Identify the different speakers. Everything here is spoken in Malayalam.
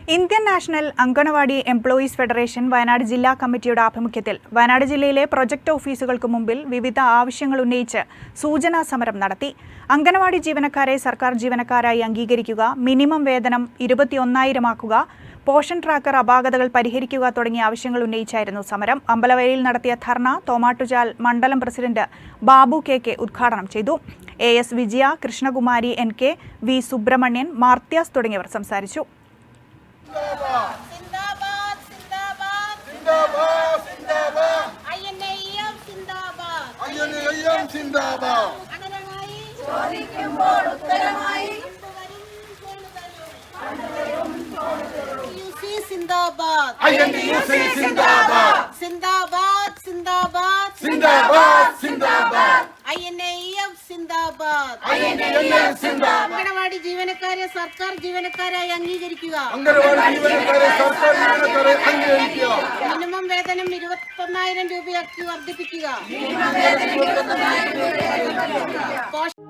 Speaker 1: Indian national anganwadi employees federation Wayanad ജില്ലാ കമ്മിറ്റിയുടെ ആഭിമുഖ്യത്തിൽ വയനാട് ജില്ലയിലെ പ്രൊജക്ട് ഓഫീസുകൾക്ക് മുമ്പിൽ വിവിധ ആവശ്യങ്ങൾ ഉന്നയിച്ച് സൂചനാ സമരം നടത്തി. അങ്കണവാടി ജീവനക്കാരെ സർക്കാർ ജീവനക്കാരായി അംഗീകരിക്കുക, മിനിമം വേതനം 21,000 ആക്കുക, പോഷൻ ട്രാക്കർ അപാകതകൾ പരിഹരിക്കുക തുടങ്ങിയ ആവശ്യങ്ങൾ ഉന്നയിച്ചായിരുന്നു സമരം. അമ്പലവയലിൽ നടത്തിയ ധർണ തോമാട്ടുചാൽ മണ്ഡലം പ്രസിഡന്റ് ബാബു കെ ഉദ്ഘാടനം ചെയ്തു. AS വിജയ, കൃഷ്ണകുമാരി NK, V സുബ്രഹ്മണ്യൻ, മാർത്യാസ് തുടങ്ങിയവർ സംസാരിച്ചു.
Speaker 2: അംഗനവാടി ജീവനക്കാരെ സർക്കാർ ജീവനക്കാരായി അംഗീകരിക്കുക. മിനിമം വേതനം 21,000 രൂപയാക്കി വർദ്ധിപ്പിക്കുക.